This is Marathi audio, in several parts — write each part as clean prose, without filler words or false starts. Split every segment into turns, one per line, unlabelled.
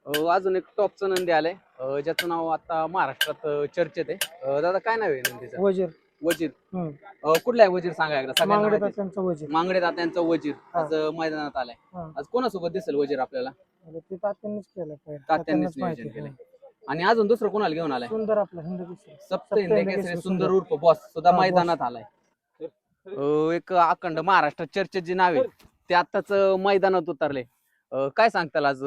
अजून एक टॉपचं नंदी आलंय ज्याचं नाव आता महाराष्ट्रात चर्चेत आहे. दादा काय नाव आहे नंदीचं?
वजीर.
वजीर. कुठला आहे वजीर सांगा एकदा सगळ्यांना
मांगडे
माहिती आहे.
तात्यांचा वजीर.
मांगडे तात्यांचा वजीर
हा.
आज मैदानात आलाय.
हा.
आज कोणासोबत दिसेल वजीर आपल्याला?
ते तात्यांनीच केलं पाहिजे.
तात्यांनीच नियोजन केलंय. आणि अजून दुसरं कोणाला घेऊन आलाय?
सुंदर आपला हिंद केसरी.
सप्त हिंद केसरी सुंदर उर्फ बॉस सुद्धा
हा,
मैदानात आलाय. एक अखंड महाराष्ट्रात चर्चेत जी नाव आहे ते आताच मैदानात उतरले. काय सांगताल आज?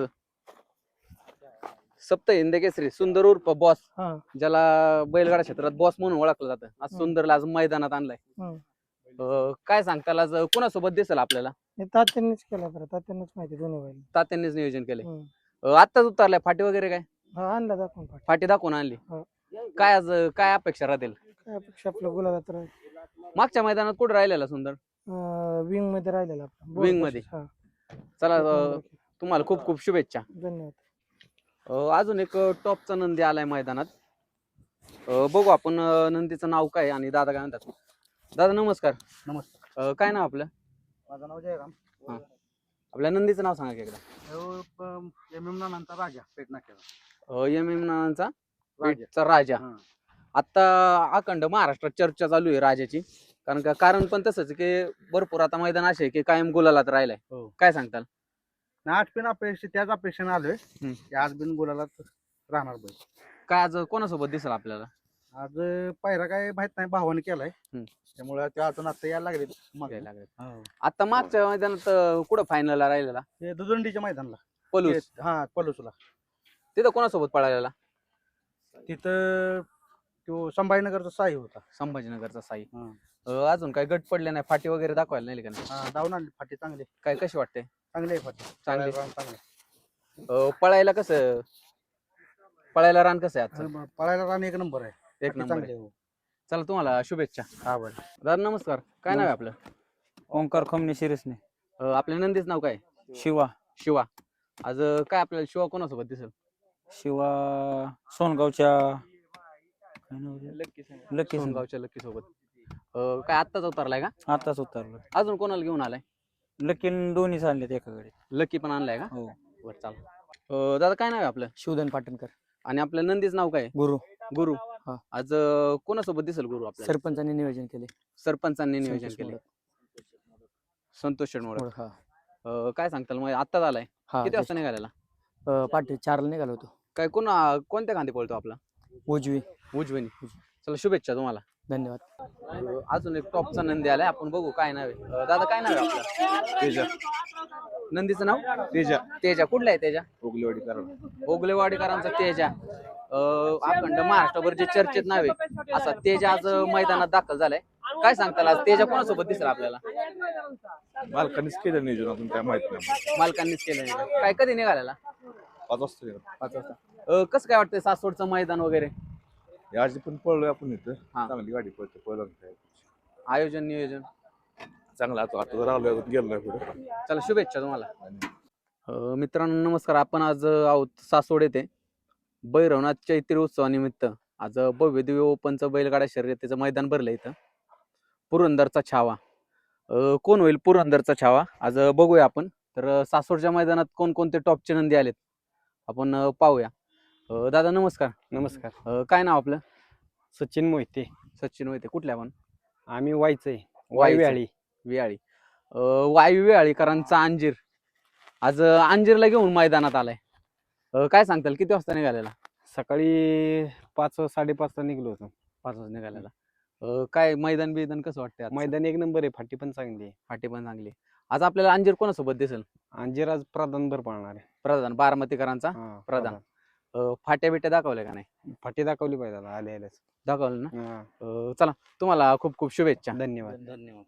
सप्त हिंद केसरी सुंदर उर्फ बॉस,
हा.
ज्याला बैलगाडा क्षेत्रात बॉस म्हणून ओळखलं जातं, आज सुंदरला आज मैदानात आणलाय. काय सांगताल आज कोणासोबत दिसेल आपल्याला?
हे तात्यांनीच केलं बरं. तात्यांनीच माहिती दोन्ही बैल.
तात्यांनीच नियोजन केलंय. आत्ताच उतरलाय फाटी वगैरे काय?
हा, आणला दाखवून
फाटी दाखवून आणली.
हा.
काय आज काय अपेक्षा राहतील?
काय अपेक्षा आपलं गुलाबात राहील.
मागच्या मैदानात कुठे राहिलेला सुंदर?
विंग मध्ये राहिलेला आपला.
विंग मध्ये.
हा.
चला तुम्हाला खूप खूप शुभेच्छा.
धन्यवाद.
अजून एक टॉपचा नंदी आलाय मैदानात. बघू आपण नंदीचं नाव काय आणि दादा काय म्हणतात. दादा नमस्कार.
नमस्कार.
काय नाव आपलं?
माझं नाव जयराम.
हा. आपल्या नंदीचं नाव सांगा की एकदा.
नंतर राजा पेट नाक्याचा.
एम नानांचा पेठचा राजा. आता अखंड महाराष्ट्रात चर्चा चालू आहे राजाची, कारण पण तसंच की भरपूर आता मैदान असे की कायम गुलालात राहिलाय. काय सांगताल?
आज पण अपेक्षा त्याच अपेक्षेने आलोय की आज बिन गुलाला राहणार बैल.
काय आज कोणासोबत दिसेल आपल्याला?
आज पायरा काय माहित नाही, भावाने केलाय त्यामुळे ते अजून आता यायला लागले.
आता मागच्या मैदानात कुठं फायनलला राहिलेला?
ते दुदंडीच्या मैदानला
पलूस.
हा, पलूसला.
तिथं कोणासोबत पळालेला?
तिथं तो संभाजीनगरचा साई होता.
संभाजीनगरचा साई. अजून काय गट पडले नाही, फाटी वगैरे दाखवायला नाही का?
धावून आणली फाटी चांगली.
काय कशी वाटते?
चांगली आहे फाटी.
चांगली. पळायला कसं? पळायला रान कसं आहे आज?
पळायला रान एक नंबर आहे.
एक नंबर
चांगली
आहे. चला तुम्हाला शुभेच्छा.
हा बरं.
दादा नमस्कार. काय नाव आहे आपलं?
ओंकार खमने शिरसने.
आपल्या नंदीच नाव काय?
शिवा.
शिवा. आज काय आपल्याला शिवा कोणासोबत दिसेल?
शिवा सोनगावच्या
लक्की सोनगावच्या लक्की सोबत. काय आत्ताच उतरलाय का?
आताच उतरलो.
अजून कोणाला घेऊन आलाय?
लकीन दोन्ही आणलेत एकाकडे.
लकी पण आणलाय का?
हो.
बरं चाल. दादा काय नाव आहे आपलं?
शिवधन पाटणकर.
आणि आपल्या नंदीच नाव काय?
गुरु.
गुरु.
हा.
आज कोणासोबत दिसेल गुरु आपल्याला?
सरपंचांनी नियोजन केले.
सरपंचांनी नियोजन केले. संतोष शेडमोड. काय सांगताल मग? आत्ताच आलाय. किती वाजता निघालेला?
पाठी 4ला निघालो होतो.
काय कोणत्या खांदी पळतो आपला?
उजवी.
उजवीनी. चला शुभेच्छा तुम्हाला.
धन्यवाद.
अजून एक टॉपचा नंदी आलाय, आपण बघू काय नाव आहे. दादा काय नाव आहे आपलं?
तेजा.
नंदीचं नाव?
तेजा.
तेजा. कुठला आहे तेजा?
ओगलेवाडीकर.
ओगलेवाडीकरांचा तेजा. अखंड महाराष्ट्रभर जे चर्चेत नाव आहे असा तेजा आज मैदानात दाखल झालाय. काय सांगताल आज तेजा कोणासोबत दिसेल आपल्याला?
मालकानेच केलं नियोजन, अजून काय माहित नाही.
मालकांनीच केलं नाही. काय कधी निघालेला?
5 वाजता.
5 वाजता. कसं काय वाटतंय सासवडचं मैदान वगैरे?
आज पण पळलोय आपण इथं.
हा.
चांगली गाडी पळते. पळलं
आयोजन नियोजन
चांगला. आता राहिलोय, अजून गेलो नाही पुढे.
चला शुभेच्छा तुम्हाला. मित्रांनो नमस्कार. आपण आज आहोत सासवड येथे भैरवनाथ चैत्री उत्सवानिमित्त आज भव्य दिव्य ओपनचं बैलगाडा शर्यतीचं मैदान भरलं इथं. पुरंदरचा छावा. कोण होईल पुरंदरचा छावा आज बघूया आपण. तर सासवडच्या मैदानात कोणकोणते टॉपचे नंदी आलेत आपण पाहूया. दादा नमस्कार.
नमस्कार.
काय नाव आपलं?
सचिन मोहिते.
सचिन होते. कुठल्या आपण?
आम्ही वाईचंय.
वाईव्याळी. वायू वेळीकरांचा अंजीर आज अंजीरला घेऊन मैदानात आलाय. काय सांगताल किती वाजता निघालेला?
सकाळी 5-5:30 निघलो होतो.
5 वाजता निघालेला. काय मैदान कसं वाटतंय?
मैदान एक नंबर आहे. फाटी पण चांगली आहे.
फाटी पण चांगली. आज आपल्याला अंजीर कोणासोबत दिसेल?
अंजीर आज प्रधानभर पाळणार आहे.
प्रधान बारामतीकरांचा प्रधान. फाट्या बिट्या दाखवल्या का नाही?
फाटी दाखवली पाहिजे आल्याच.
दाखवलं ना. चला तुम्हाला खूप खूप शुभेच्छा.
धन्यवाद.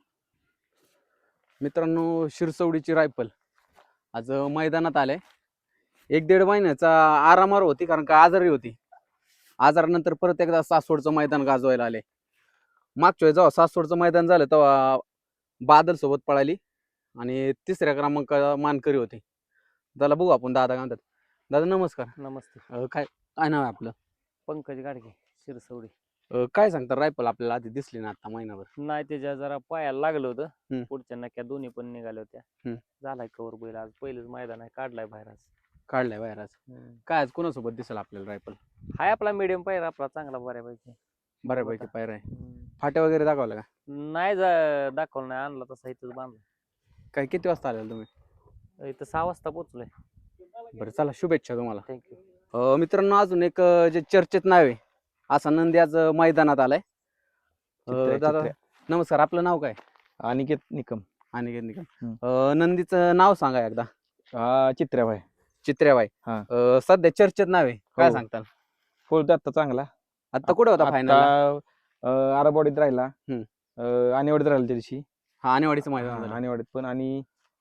मित्रांनो शिरसवडीची रायफल आज मैदानात आले. 1-1.5 महिन्याचा आरामावर होती, कारण का आजारी होती. आजारानंतर परत एकदा सासवडचं मैदान गाजवायला आले. मागच्या वेळेस जेव्हा सासवडचं मैदान झालं तेव्हा बादल सोबत पळाली आणि 3ऱ्या क्रमांक मानकरी होती. त्याला बघू आपण दादा काय म्हणतात. दादा नमस्कार.
नमस्ते.
काय नाव आहे आपलं?
पंकज गाडगे शिरसवडी.
काय सांगता रायफल आपल्याला आधी दिसली ना आता महिनाभर?
नाही, त्याच्या जरा पायाला लागलं होतं.
हम्म.
पुढच्या नक्या दोन्ही पण निघाल्या होत्या. झालाय कवर बैल. आज पहिलेच मैदान आहे, काढलाय बाहेर आज.
काढलाय बाहेर आज. काय आज कोणासोबत दिसेल आपल्याला रायफल?
हाय आपला मीडियम पायरा आपला चांगला बऱ्यापैकी.
बऱ्यापैकी पायर आहे. फाट्या वगैरे दाखवला का?
नाही दाखवलं नाही, आणला तसा इथंच बांधला.
काय किती वाजता आलेला तुम्ही?
इथं 6 वाजता पोहोचलोय.
बरं चला, शुभेच्छा तुम्हाला.
थँक्यू.
मित्रांनो, अजून एक जे चर्चेत नाव आहे असा नंदी आज मैदानात आलाय. दादा नमस्कार, आपलं नाव काय?
अनिकेत निकम.
अनिकेत निकम. नंदीचं नाव सांगा एकदा.
चित्र्याबाई.
चित्र्याबाई.
हा.
सध्या चर्चेत नाव आहे, काय
हो.
सांगताल?
फोडतो आता चांगला.
आता कुठे होता फायनल?
आता आराबवाडीत राहिला. आणेवाडीत राहिला त्या दिवशी.
हा, आणेवाडीचं मैदान झालं.
आणेवाडीत पण आणि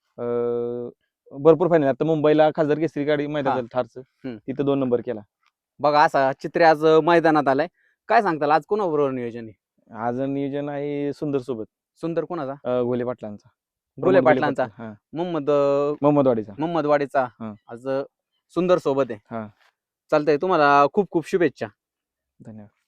भरपूर फायनल. आता मुंबईला खासदार केसरी गाडी मैदान झालं ठारचं, तिथं 2 नंबर केला.
बघा, असा चित्रे आज मैदानात आलाय. काय सांगताल, आज कोणाबरोबर नियोजन आहे?
आज नियोजन आहे सुंदर सोबत.
सुंदर कोणाचा?
घोले पाटलांचा.
घोले पाटलांचा.
हा.
मोहम्मदवाडीचा.
हा.
आज सुंदर सोबत आहे.
हा.
चालतंय, तुम्हाला खूप खूप शुभेच्छा.
धन्यवाद.